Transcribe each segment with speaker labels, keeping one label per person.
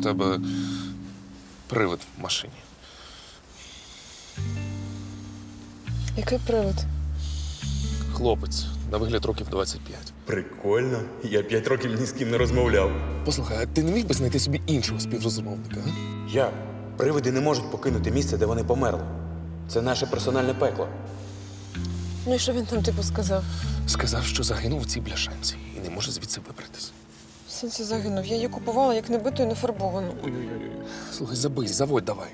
Speaker 1: тебе привид в машині.
Speaker 2: Який привид?
Speaker 1: Хлопець, на вигляд років 25.
Speaker 3: Прикольно. Я 5 років ні з ким не розмовляв.
Speaker 1: Послухай, а ти не міг би знайти собі іншого співрозмовника, а?
Speaker 3: Я. Привиди не можуть покинути місце, де вони померли. Це наше персональне пекло.
Speaker 2: Ну і що він там типу сказав?
Speaker 1: Сказав, що загинув у цій бляшанці і не може звідси вибратись.
Speaker 2: В сенсі загинув. Я її купувала як небиту і нефарбовану.
Speaker 1: Слухай, забий, заводь давай.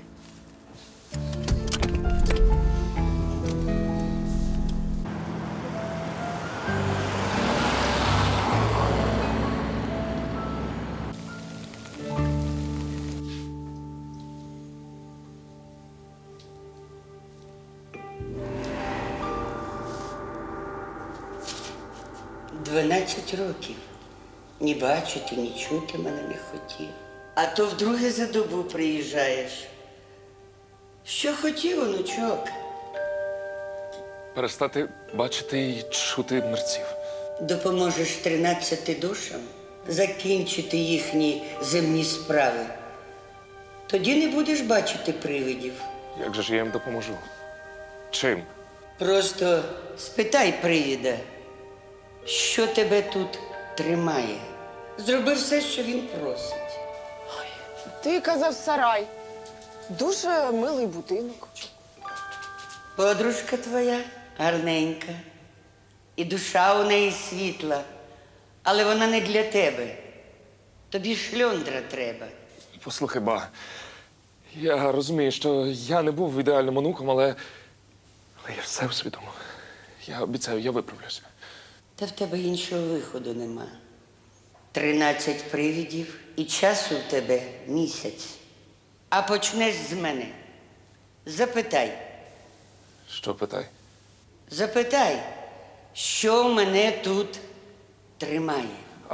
Speaker 4: «12 років. Ні бачити, ні чути мене не хотів. А то вдруге за добу приїжджаєш. Що хотів, онучок?
Speaker 1: Перестати бачити і чути мерців.
Speaker 4: Допоможеш 13 душам закінчити їхні земні справи. Тоді не будеш бачити привидів.
Speaker 1: Як же ж я їм допоможу? Чим?
Speaker 4: Просто спитай привіда, що тебе тут тримає. Зроби все, що він просить.
Speaker 2: Ти казав сарай. Дуже милий будинок.
Speaker 4: Подружка твоя гарненька, і душа у неї світла, але вона не для тебе. Тобі шльондра треба.
Speaker 1: Послухай, ба, я розумію, що я не був ідеальним онуком, але я все усвідомив. Я обіцяю, я виправлюся.
Speaker 4: Та в тебе іншого виходу нема. 13 привидів і часу в тебе місяць. А почнеш з мене. Запитай.
Speaker 1: Що питай?
Speaker 4: Запитай, що мене тут тримає.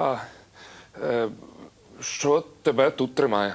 Speaker 1: Що тебе тут тримає?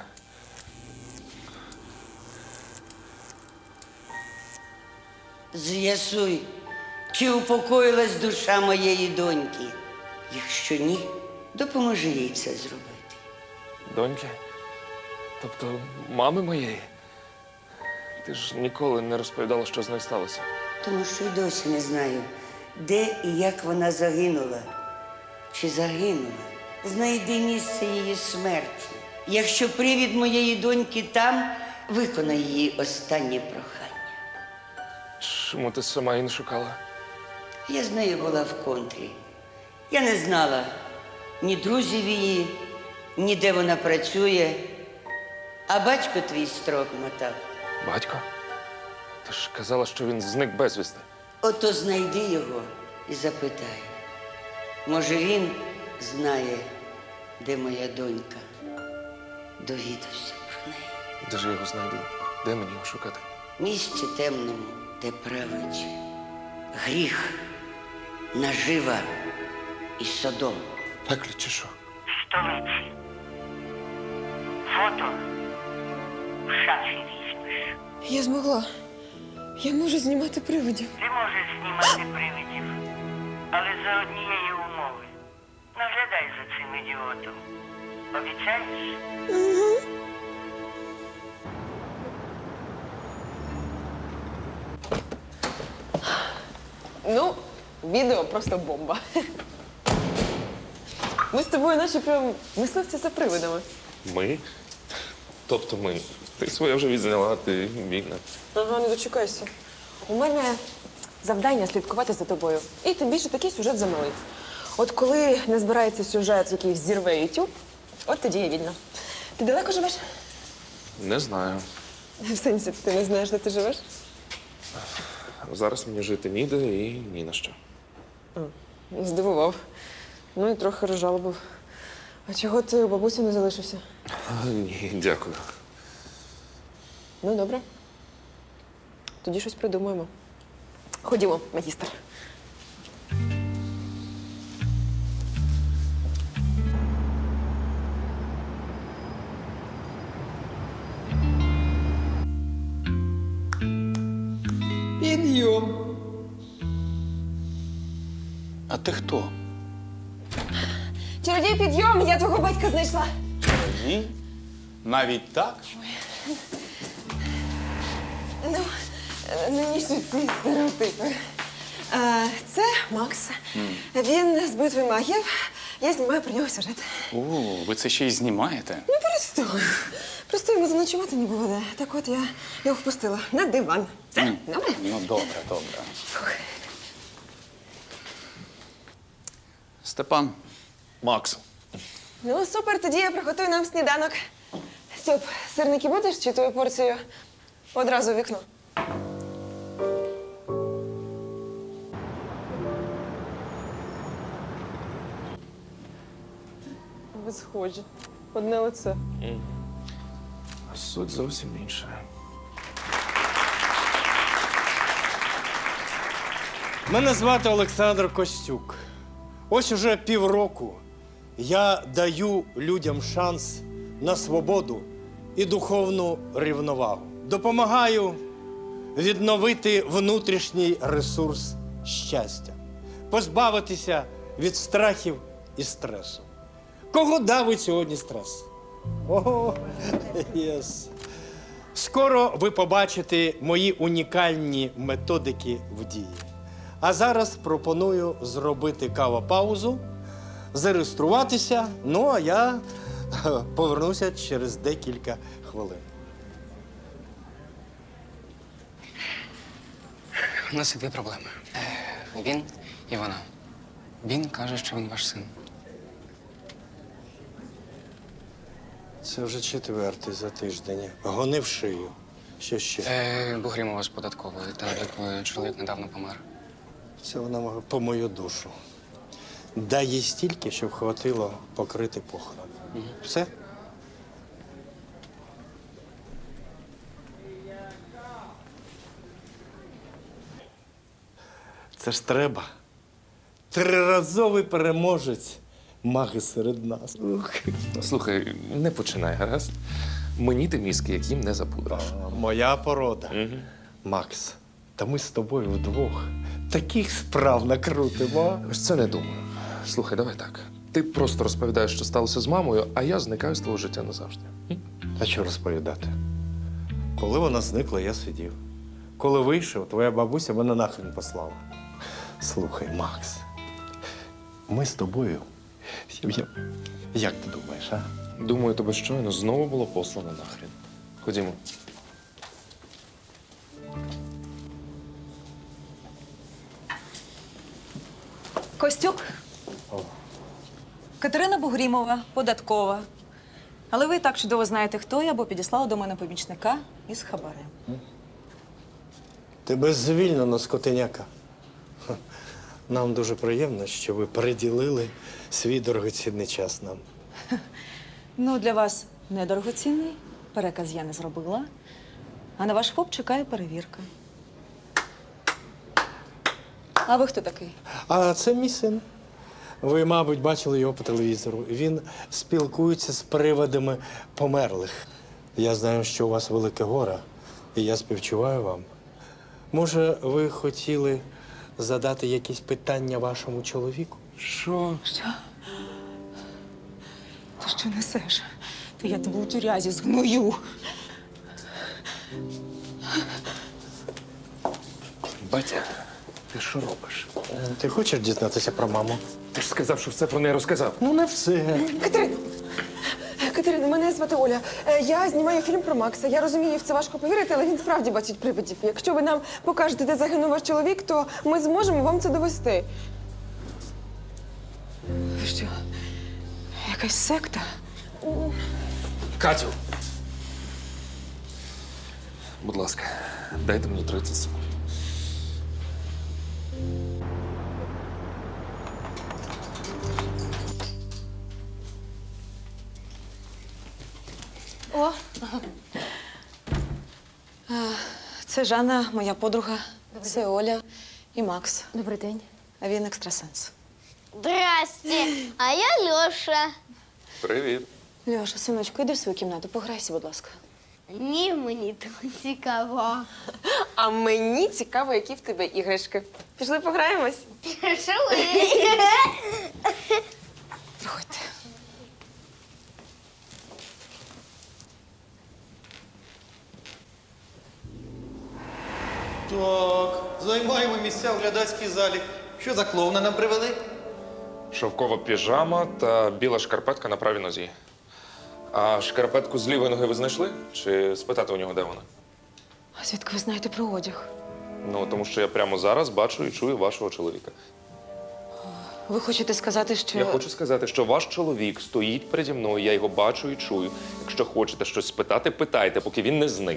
Speaker 4: З'ясуй, чи упокоїлась душа моєї доньки. Якщо ні, допоможи їй це зробити.
Speaker 1: Доньки? Тобто мами моєї? Ти ж ніколи не розповідала, що з нею сталося.
Speaker 4: Тому що й досі не знаю, де і як вона загинула. Чи загинула? Знайди місце її смерті. Якщо привід моєї доньки там, виконай її останнє прохання.
Speaker 1: Чому ти сама її не шукала?
Speaker 4: Я з нею була в контрі. Я не знала ні друзів її, ні де вона працює. А батько твій строк мотав.
Speaker 1: Батько? Ти ж казала, що він зник безвісти.
Speaker 4: Ото знайди його і запитай. Може, він знає, де моя донька. Довідався про неї.
Speaker 1: Де ж я його знайду? Де мені його шукати?
Speaker 4: В місці темному, де править гріх, нажива і содом.
Speaker 1: Пеклі чи що?
Speaker 4: Столиці. Фото в шафі візьмеш.
Speaker 2: Я змогла. Я можу знімати привидів.
Speaker 4: Ти можеш знімати привидів, але за однієї умови. Наглядай за цим ідіотом. Обіцяєш?
Speaker 2: Ну, відео просто бомба. Ми з тобою наче прям мисливці за привидами.
Speaker 1: Ми? Тобто ми. Ти своє вже відзняла, ти вільна.
Speaker 2: Ага, не дочекайся. У мене завдання слідкувати за тобою. І тим більше такий сюжет замилий. От коли не збирається сюжет, який взірве YouTube, от тоді я вільна. Ти далеко живеш?
Speaker 1: Не знаю.
Speaker 2: В сенсі, ти не знаєш, де ти живеш?
Speaker 1: Зараз мені жити ніде і ні на що.
Speaker 2: Здивував. Ну і трохи розжалобив. А чого ти у бабусі не залишився?
Speaker 1: Ні, дякую.
Speaker 2: Ну, добре. Тоді щось придумаємо. Ходімо, магістр.
Speaker 3: Підйом. А ти хто?
Speaker 2: Чародій, підйом! Я твого батька знайшла.
Speaker 3: Ні.
Speaker 5: Навіть так?
Speaker 2: Не ніж ці стереотипи. Це Макс. Він з битви магів. Я знімаю про нього сюжет.
Speaker 5: О, ви це ще й знімаєте?
Speaker 2: Ну, просто йому заночувати не було де. Так от я його впустила на диван. Все, добре?
Speaker 5: Ну, добре, добре. Степан,
Speaker 1: Макс.
Speaker 2: Ну, супер, тоді я приготую нам сніданок. Стьоп, сирники будеш чи твою порцію одразу в вікно? Ви схожі. Одне лице.
Speaker 1: А суть зовсім інша.
Speaker 6: Мене звати Олександр Костюк. Ось уже півроку я даю людям шанс на свободу і духовну рівновагу. Допомагаю відновити внутрішній ресурс щастя, позбавитися від страхів і стресу. Кого давить сьогодні стрес? Ого, єс. Скоро ви побачите мої унікальні методики в дії. А зараз пропоную зробити кавопаузу, зареєструватися, ну а я повернуся через декілька хвилин.
Speaker 7: У нас є дві проблеми. Він і вона. Він каже, що він ваш син.
Speaker 6: Це вже четвертий за тиждень. Гони в шию. Що ще?
Speaker 7: Бугрімова з податкової. Та чоловік недавно помер.
Speaker 6: Це вона по мою душу. Дай їй стільки, щоб хватило покрити похорон. Все? Це ж треба. Триразовий переможець маги серед нас. Ух.
Speaker 1: Слухай, не починай, гаразд? Мені ти мізки, яким не запудриш.
Speaker 6: Моя порода. Макс, та ми з тобою вдвох таких справ накрутимо.
Speaker 1: Ось це не думаю. Слухай, давай так. Ти просто розповідаєш, що сталося з мамою, а я зникаю з твого життя назавжди.
Speaker 6: А що розповідати? Коли вона зникла, я сидів. Коли вийшов, твоя бабуся мене нахрен послала. Слухай, Макс, ми з тобою. Як ти думаєш, а?
Speaker 1: Думаю, тебе щойно знову було послано нахрін. Ходімо.
Speaker 8: Костюк. Катерина Бугрімова, податкова. Але ви і так чудово знаєте, хто я, бо підіслала до мене помічника із хабарем.
Speaker 6: Тебе звільнено, скотиняка. Ха. Нам дуже приємно, що ви приділили свій дорогоцінний час нам.
Speaker 8: Ну, для вас недорогоцінний, переказ я не зробила. А на ваш ФОП чекає перевірка. А ви хто такий?
Speaker 6: А це мій син. Ви, мабуть, бачили його по телевізору. Він спілкується з привидами померлих. Я знаю, що у вас велике горе, і я співчуваю вам. Може, ви хотіли задати якісь питання вашому чоловіку?
Speaker 1: Що?
Speaker 8: Що? Ти що несеш? Та я тебе у тюрязі згною.
Speaker 1: Батя, ти що робиш?
Speaker 6: Ти хочеш дізнатися про маму?
Speaker 1: Ти ж сказав, що все про неї розказав.
Speaker 6: Ну, не все.
Speaker 2: Катерина, мене звати Оля. Я знімаю фільм про Макса. Я розумію, в це важко повірити, але він справді бачить привидів. Якщо ви нам покажете, де загинув ваш чоловік, то ми зможемо вам це довести.
Speaker 8: Ви що? Якась секта?
Speaker 1: Катю! Будь ласка, дайте мені 30 секунд.
Speaker 8: О! Це Жанна, моя подруга. Це Оля і Макс.
Speaker 9: Добрий день.
Speaker 8: А він екстрасенс.
Speaker 9: Здрасте, а я Льоша.
Speaker 1: Привіт.
Speaker 8: Льоша, синочку, йди в свою кімнату, пограйся, будь ласка.
Speaker 9: Ні, мені так цікаво.
Speaker 2: А мені цікаво, які в тебе іграшки. Пішли пограємось?
Speaker 9: Пішли.
Speaker 8: Проходьте.
Speaker 10: Так, займаємо місця в глядацькій залі. Що за клоуна нам привели?
Speaker 1: Шовкова піжама та біла шкарпетка на правій нозі. А шкарпетку з лівої ноги ви знайшли? Чи спитати у нього, де вона?
Speaker 2: А звідки ви знаєте про одяг?
Speaker 1: Ну, тому що я прямо зараз бачу і чую вашого чоловіка.
Speaker 2: Ви хочете сказати, що.
Speaker 1: Я хочу сказати, що ваш чоловік стоїть переді мною, я його бачу і чую. Якщо хочете щось спитати, питайте, поки він не зник.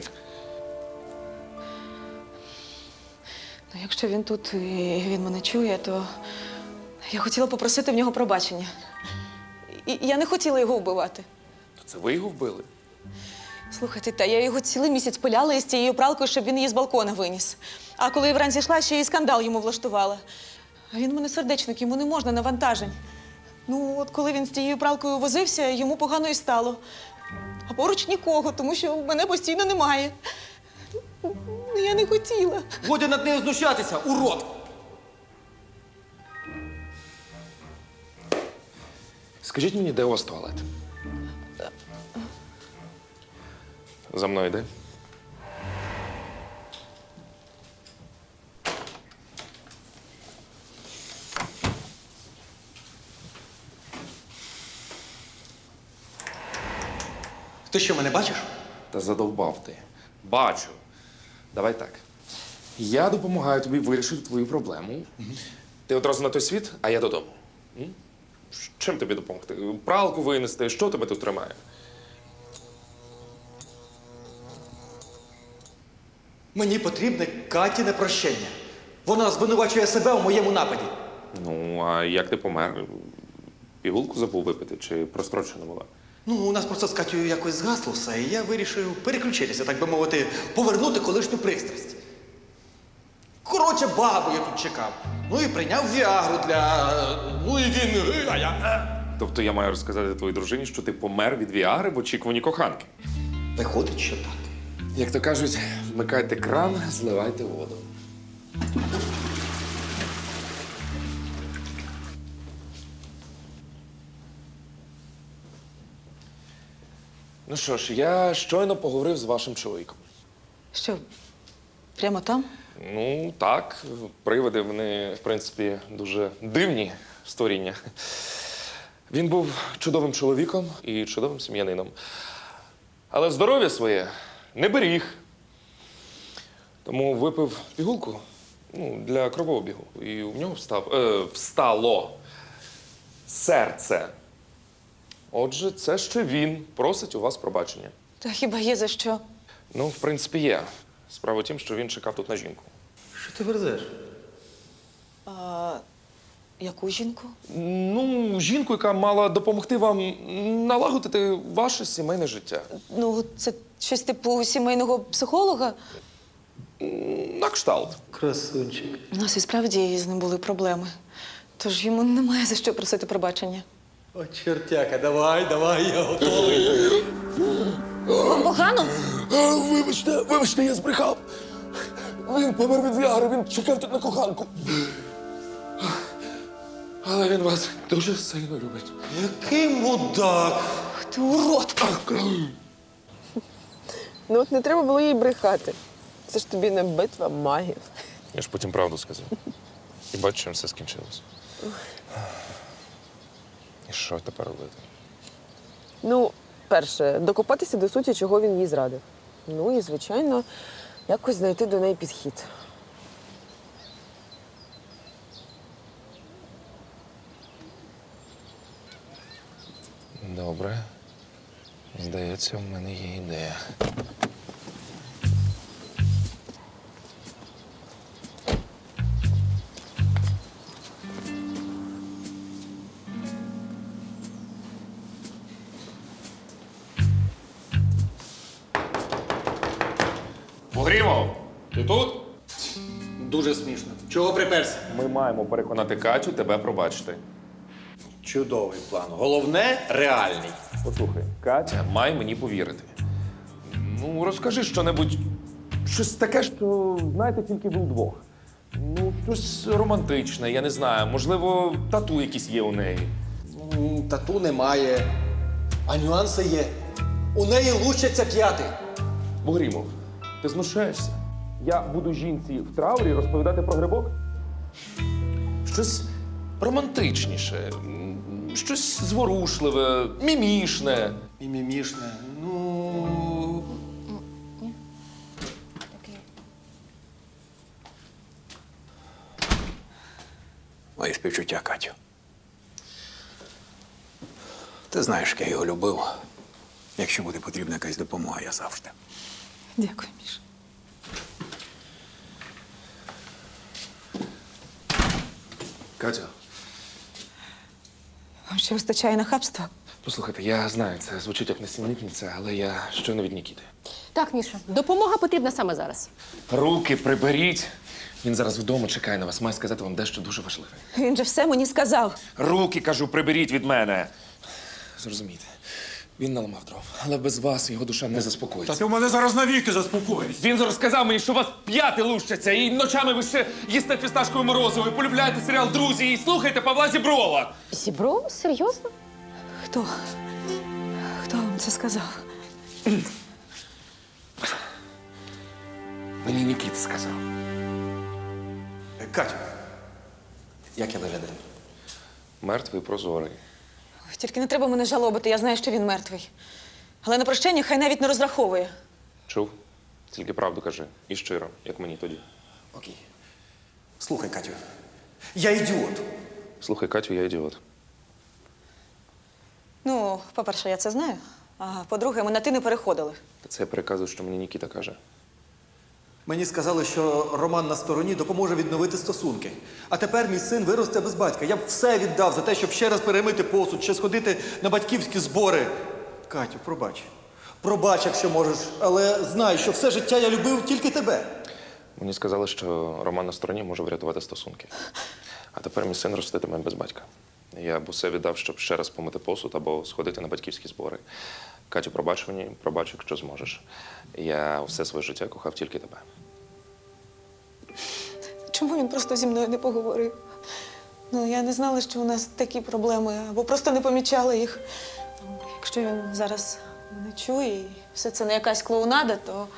Speaker 2: Ну, якщо він тут і він мене чує, то я хотіла попросити в нього пробачення. І я не хотіла його вбивати.
Speaker 1: То це ви його вбили?
Speaker 2: Слухайте, та я його цілий місяць пиляла із цією пралкою, щоб він її з балкона виніс. А коли я вранці йшла, ще й скандал йому влаштувала. А він в мене сердечник, йому не можна навантажень. Ну, от коли він з тією пралкою возився, йому погано і стало. А поруч нікого, тому що мене постійно немає. Ну, я не хотіла.
Speaker 10: Годі над нею знущатися, урод!
Speaker 1: Скажіть мені, де у вас туалет? За мною йди.
Speaker 10: Ти що, мене бачиш?
Speaker 1: Та задовбав ти. Бачу. Давай так. Я допомагаю тобі вирішити твою проблему. Ти одразу на той світ, а я додому. М? Чим тобі допомогти? Пралку винести? Що тебе тут тримає?
Speaker 10: Мені потрібне Катіне прощення. Вона звинувачує себе у моєму нападі.
Speaker 1: Ну, а як ти помер? Пігулку забув випити чи прострочена була?
Speaker 10: Ну, у нас просто з Катєю якось згасло все, і я вирішив переключитися, так би мовити, повернути колишню пристрасть. Коротше, бабу я тут чекав. Ну і прийняв Віагру для. Ну і він. А я.
Speaker 1: Тобто я маю розказати твоїй дружині, що ти помер від віагри в очікуванні коханки.
Speaker 10: Виходить, що так.
Speaker 1: Як то кажуть, вмикайте кран, зливайте воду. Ну що ж, я щойно поговорив з вашим чоловіком.
Speaker 2: Що, прямо там?
Speaker 1: Ну, так, привиди, вони, в принципі, дуже дивні створіння. Він був чудовим чоловіком і чудовим сім'янином. Але здоров'я своє не беріг. Тому випив пігулку для кровообігу. І у нього встало серце. Отже, це ще він просить у вас пробачення.
Speaker 2: Та хіба є за що?
Speaker 1: Ну, в принципі, є. Справа в тім, що він чекав тут на жінку.
Speaker 10: Що ти верзеш?
Speaker 2: А, яку жінку?
Speaker 1: Ну, жінку, яка мала допомогти вам налагодити ваше сімейне життя.
Speaker 2: Ну, це щось типу сімейного психолога.
Speaker 1: На кшталт.
Speaker 10: Красунчик.
Speaker 2: У нас і справді з ним були проблеми. Тож йому немає за що просити пробачення.
Speaker 10: О, чертяка, давай, я готовий.
Speaker 2: Вам погано?
Speaker 1: Вибачте, я збрехав. Він помер від віари, він чекав тут на коханку. Але він вас дуже сильно любить.
Speaker 10: Який мудак.
Speaker 2: Ти урод!
Speaker 11: Ну от не треба було їй брехати. Це ж тобі не битва магів.
Speaker 1: Я ж потім правду сказав. І бачу, чим все скінчилося. І що тепер робити?
Speaker 11: Ну, перше, докопатися до суті, чого він їй зрадив. Ну і, звичайно, якось знайти до неї підхід.
Speaker 1: Добре. Здається, в мене є ідея. Погрімов, ти тут?
Speaker 10: Дуже смішно. Чого приперся?
Speaker 1: Ми маємо переконати Катю тебе пробачити.
Speaker 10: Чудовий план. Головне реальний.
Speaker 1: Послухай, Катя має мені повірити. Ну, розкажи щонебудь, щось таке, що знаєте тільки ви вдвох. Ну, щось романтичне, я не знаю. Можливо, тату якісь є у неї.
Speaker 10: Тату немає, а нюанси є. У неї лучаться п'яти.
Speaker 1: Бугрімов, ти знущаєшся? Я буду жінці в траурі розповідати про грибок? Щось романтичніше, щось зворушливе, мімішне.
Speaker 10: Мімімішне. Ну.
Speaker 5: Мої співчуття, Катю. Ти знаєш, як я його любив. Якщо буде потрібна якась допомога, я завжди.
Speaker 8: Дякую, Міша.
Speaker 1: Катя,
Speaker 8: Вам ще вистачає нахабства?
Speaker 1: послухайте, я знаю, це звучить як несенітниця, але я щойно від Нікіти.
Speaker 12: Так, Міша, допомога потрібна саме зараз.
Speaker 1: Руки приберіть. Він зараз вдома чекає на вас, має сказати вам дещо дуже важливе.
Speaker 8: Він же все мені сказав.
Speaker 1: Руки, кажу, приберіть від мене. Зрозумійте, він наламав дров, але без вас його душа не заспокоїться.
Speaker 3: Ти в мене зараз навіки заспокоїсь.
Speaker 1: Він зараз сказав мені, що у вас п'яти лущаться, і ночами ви ще їсте фісташкове морозиво, і полюбляєте серіал «Друзі», і слухаєте Павла Зіброва.
Speaker 12: Зібров? Серйозно?
Speaker 8: Хто? Хто вам це сказав?
Speaker 1: Мені Нікіта сказав.
Speaker 10: Катю, як я виглядаю?
Speaker 1: Мертвий прозорий.
Speaker 8: Ой, тільки не треба мене жалобити, я знаю, що він мертвий. Але на прощення хай навіть не розраховує.
Speaker 1: Чув? Тільки правду кажи. І щиро, як мені тоді.
Speaker 10: Окей. Слухай, Катю, я ідіот.
Speaker 1: Слухай, Катю, я ідіот.
Speaker 8: Ну, по-перше, я це знаю. А по-друге, ми на ти не переходили.
Speaker 1: Та це я переказую, що мені Нікіта каже.
Speaker 10: Мені сказали, що Роман на стороні допоможе відновити стосунки. А тепер мій син виросте без батька. Я б все віддав за те, щоб ще раз перемити посуд, ще сходити на батьківські збори. Катю, пробач. Пробач, якщо можеш, але знай, що все життя я любив тільки тебе.
Speaker 1: Мені сказали, що Роман на стороні може врятувати стосунки. А тепер мій син роститиме без батька. Я б усе віддав, щоб ще раз помити посуд або сходити на батьківські збори. Катю, пробач мені, пробач, якщо зможеш. Я все своє життя кохав тільки тебе.
Speaker 8: Чому він просто зі мною не поговорив? Ну, я не знала, що у нас такі проблеми, або просто не помічала їх. Ну, якщо він зараз не чує і все це не якась клоунада, то.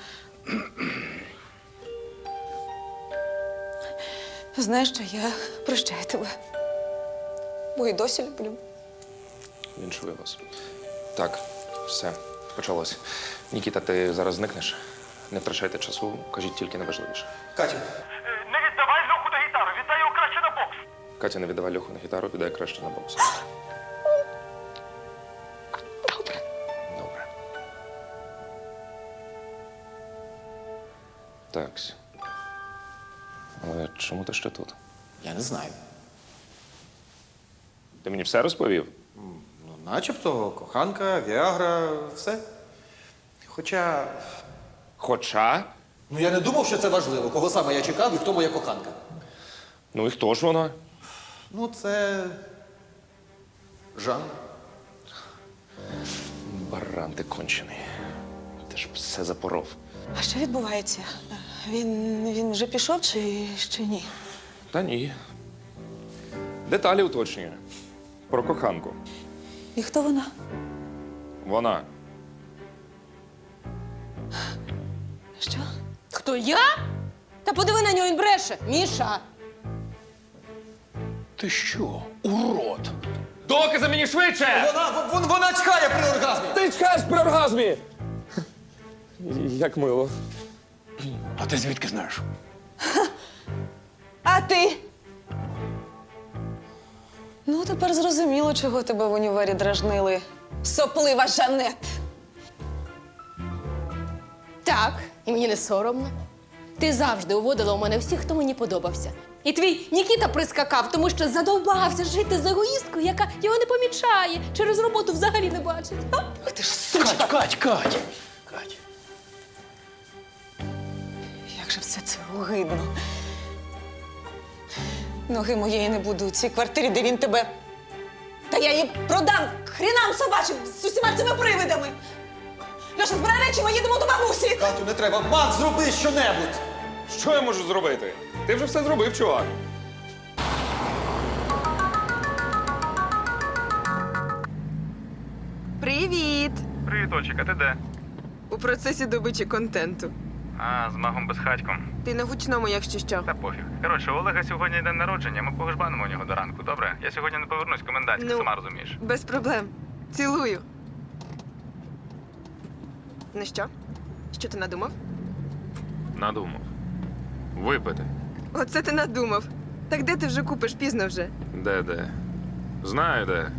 Speaker 8: Знаєш що, я прощаю тебе. Бо і досі люблю.
Speaker 1: Віншую вас. Так, все, почалося. Нікіта, ти зараз зникнеш? Не втрачайте часу, кажіть тільки найважливіше.
Speaker 10: Катю,
Speaker 13: Не віддавай Льоху на гітару, віддай його краще на бокс.
Speaker 1: Катя, не віддавай Льоху на гітару, віддай краще на бокс.
Speaker 8: Добре.
Speaker 1: Добре. Такс. Але чому ти ще тут?
Speaker 10: я не знаю.
Speaker 1: Ти мені все розповів?
Speaker 10: Ну, начебто, коханка, Віагра, все. Хоча.
Speaker 1: Хоча.
Speaker 10: Ну я не думав, що це важливо, кого саме я чекав і хто моя коханка.
Speaker 1: Ну і хто ж вона?
Speaker 10: Ну, це. Жан.
Speaker 1: Баран ти кончений. Ти ж все запоров.
Speaker 8: А що відбувається? Він вже пішов чи ще ні?
Speaker 1: Та ні. Деталі уточнює. Про коханку.
Speaker 8: І хто вона?
Speaker 1: Вона.
Speaker 8: Що?
Speaker 12: Хто я? Та подиви на нього, він бреше. Міша!
Speaker 5: Ти що, урод?
Speaker 1: Докази мені швидше!
Speaker 10: Вона чхає при оргазмі!
Speaker 1: Ти чекаєш при оргазмі! Як мило.
Speaker 5: А ти звідки знаєш?
Speaker 8: А ти? Ну, тепер зрозуміло, чого тебе в універі дражнили. Соплива Жанет.
Speaker 12: Так, і мені не соромно. Ти завжди уводила у мене всіх, хто мені подобався. І твій Нікіта прискакав, тому що задовбався жити з егоїсткою, яка його не помічає, через роботу взагалі не бачить.
Speaker 8: Ах ти ж сучка!
Speaker 5: Кать!
Speaker 8: Як же все це огидно. Ноги моєї не буду у цій квартирі, де він тебе. Та я її продам хрінам собачим з усіма цими привидами. Льоша, збирай речі, ми їдемо до бабусі.
Speaker 10: Катю, не треба. Макс, зроби щонебудь!
Speaker 1: Що я можу зробити? Ти вже все зробив, чувак.
Speaker 11: Привіт!
Speaker 13: Привіт, Ольчик, а ти де?
Speaker 11: У процесі добичі контенту.
Speaker 5: А, з магом безхатьком.
Speaker 11: Ти на гучному, якщо що.
Speaker 5: Та пофіг. Коротше, у Олега сьогодні день народження, ми погожбанимо у нього до ранку, добре? Я сьогодні не повернусь, комендантська,
Speaker 11: Ну.
Speaker 5: сама розумієш.
Speaker 11: Без проблем. Цілую. Ну що? Що ти надумав?
Speaker 1: Надумав. Випити.
Speaker 11: Оце ти надумав. Так де ти вже купиш? Пізно вже.
Speaker 1: Де? Знаю, де.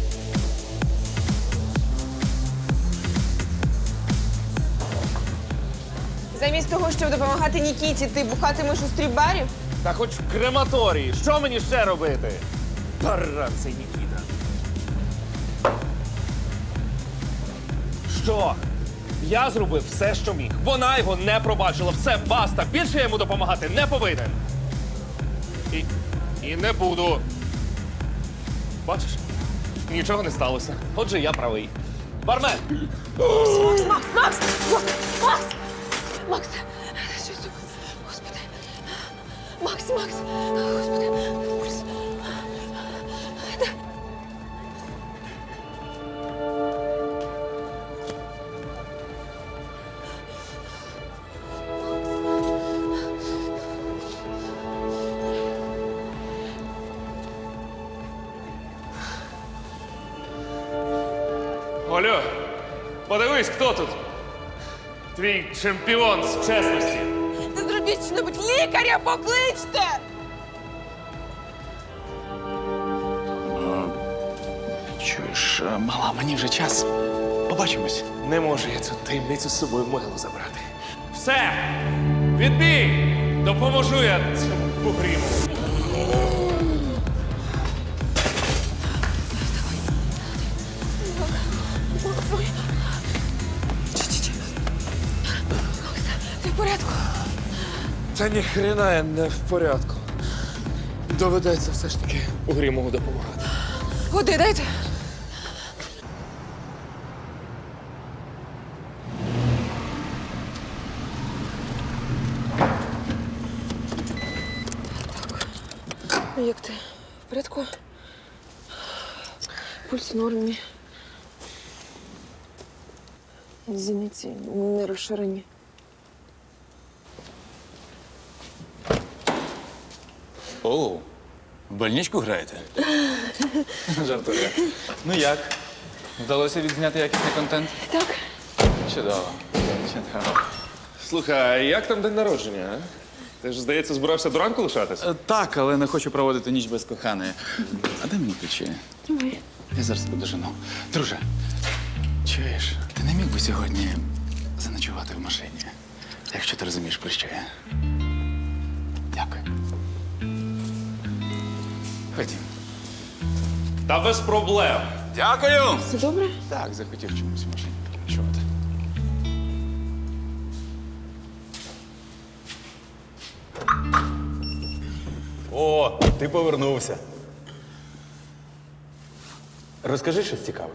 Speaker 11: Замість того, щоб допомагати Нікіті, ти бухатимеш у стріп-барі?
Speaker 1: Та хоч в крематорії. Що мені ще робити? Таран цей Нікіта. Що? Я зробив все, що міг. Вона його не пробачила. Все, баста. Більше я йому допомагати не повинен. І не буду. Бачиш? Нічого не сталося. Отже, я правий. Бармен!
Speaker 11: Макс! Макс! Що це? Господи. Макс! Господи. Пульс.
Speaker 1: Олю, подивись, хто тут? Твій чемпіон з чесності.
Speaker 11: Та зробіть що-небудь! Лікаря покличте!
Speaker 5: Чуєш, мала, мені вже час. Побачимось.
Speaker 1: Не можу я цю таємницю з собою в могилу забрати. Все! Відбій! Допоможу я цьому бугріму.
Speaker 11: Ти в порядку?
Speaker 1: Та ніхрена я не в порядку. Доведеться все ж таки Угрімову допомагати.
Speaker 11: Води дайте. Так. Як ти? В порядку? Пульс в нормі. Зіниці не розширені.
Speaker 5: О, в больничку граєте? Жартую. Ну як? Вдалося відзняти якісний контент?
Speaker 11: Так.
Speaker 5: Чудово. Чудово.
Speaker 1: Слухай, а як там день народження, а? Ти ж, здається, збирався до ранку лишатися?
Speaker 5: Так, але не хочу проводити ніч без коханої. А дай мені ключі.
Speaker 11: Давай.
Speaker 5: Я зараз подожену. Друже, чуєш, ти не міг би сьогодні заночувати в машині, якщо ти розумієш, про що я. Дякую. Ходім.
Speaker 1: Та без проблем.
Speaker 5: Дякую!
Speaker 11: Все добре?
Speaker 5: Так, захотів чомусь в машині переночувати.
Speaker 3: О, ти повернувся. Розкажи щось цікаве.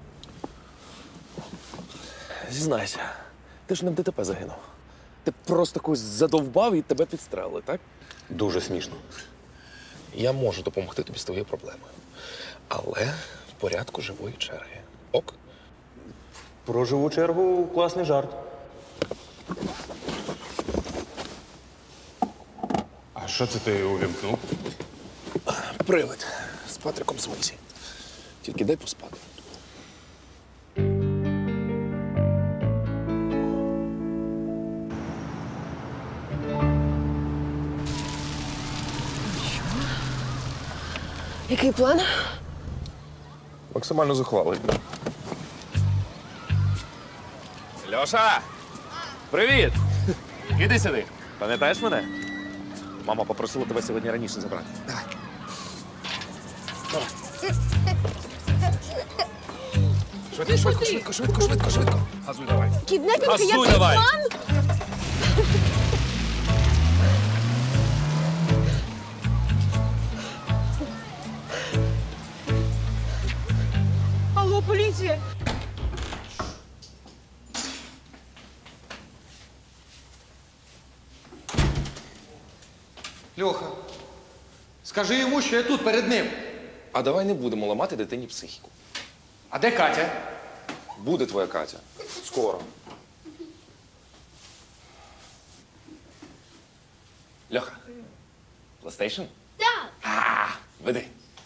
Speaker 1: Зізнайся, ти ж не в ДТП загинув. Ти просто когось задовбав і тебе підстрелили, так?
Speaker 3: Дуже смішно.
Speaker 1: Я можу допомогти тобі з твоєю проблемою. Але в порядку живої черги. Ок?
Speaker 3: Про живу чергу класний жарт. А що це ти увімкнув?
Speaker 1: Привид. З Патриком Свинсі. Тільки дай поспати.
Speaker 11: Який план?
Speaker 1: Максимально зухвалий. Льоша! Привіт! Іди сюди. Пам'ятаєш мене? Мама попросила тебе сьогодні раніше забрати. Давай. Давай. Швидко. Газуй давай.
Speaker 11: Кіднепінг,
Speaker 1: Газуй
Speaker 11: який
Speaker 1: давай.
Speaker 11: план? Алло, поліція!
Speaker 10: Льоха, скажи йому, що я тут перед ним.
Speaker 1: А давай не будемо ламати дитині психіку.
Speaker 10: А де Катя?
Speaker 1: Буде твоя Катя. Скоро. Льоха, PlayStation?
Speaker 9: Так.
Speaker 1: Веди.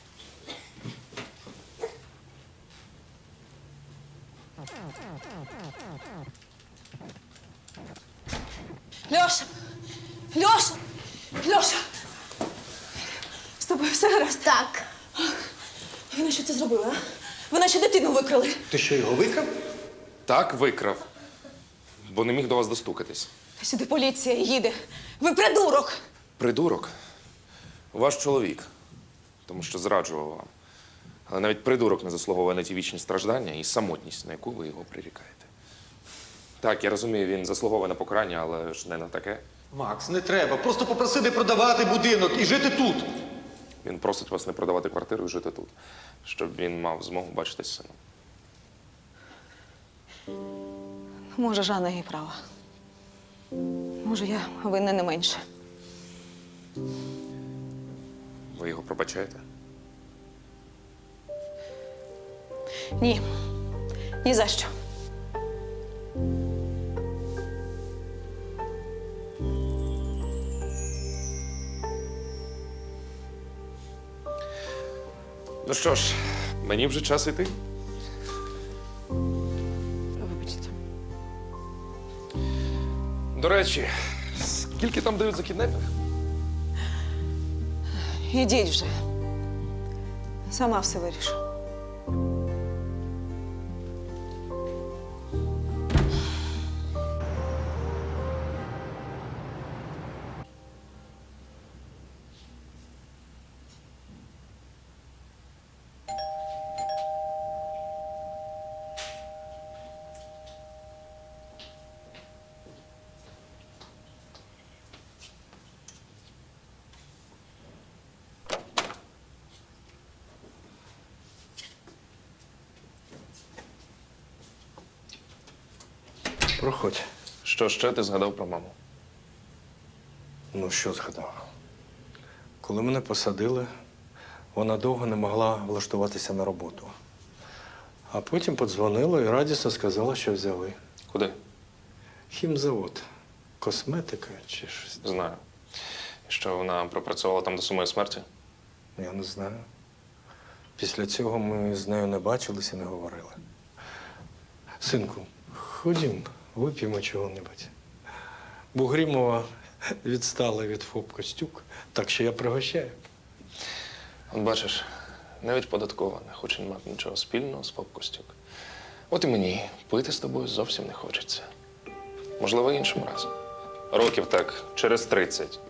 Speaker 8: Льоша! Льоша! Льоша! З тобою все гаразд?
Speaker 9: Так.
Speaker 8: Вони що це зробили, а? Вони ще дитину викрали.
Speaker 10: Ти що, його викрав?
Speaker 1: Так, викрав. Бо не міг до вас достукатись.
Speaker 8: Сюди поліція їде. Ви придурок!
Speaker 1: Придурок? Ваш чоловік. Тому що зраджував вам. Але навіть придурок не заслуговує на ті вічні страждання і самотність, на яку ви його прирікаєте. Так, я розумію, він заслуговує на покарання, але ж не на таке.
Speaker 10: Макс, не треба. Просто попроси не продавати будинок і жити тут.
Speaker 1: Він просить вас не продавати квартиру і жити тут, щоб він мав змогу бачитись з сином.
Speaker 8: Може, Жанна і права. Може, я винна не менше.
Speaker 1: Ви його пробачаєте?
Speaker 8: Ні. Ні за що.
Speaker 1: Ну що ж, мені вже час йти.
Speaker 11: Вибачте.
Speaker 1: До речі, скільки там дають за кіднепінг?
Speaker 8: Ідіть вже. Сама все вирішу.
Speaker 6: Проходь.
Speaker 1: Що ще ти згадав про маму?
Speaker 6: Ну, що згадав? Коли мене посадили, вона довго не могла влаштуватися на роботу. А потім подзвонила і радісно сказала, що взяли.
Speaker 1: Куди?
Speaker 6: Хімзавод. Косметика чи щось.
Speaker 1: Знаю. І що вона пропрацювала там до самої смерті?
Speaker 6: Я не знаю. Після цього ми з нею не бачилися і не говорили. Синку, ходім, вип'ємо чого-небудь. Бугрімова відстала від ФОП Костюк, так що я пригощаю.
Speaker 1: От бачиш, навіть податкова не хоче мати нічого спільного з ФОП Костюк. От і мені пити з тобою зовсім не хочеться. Можливо, іншим разом. Років так через 30.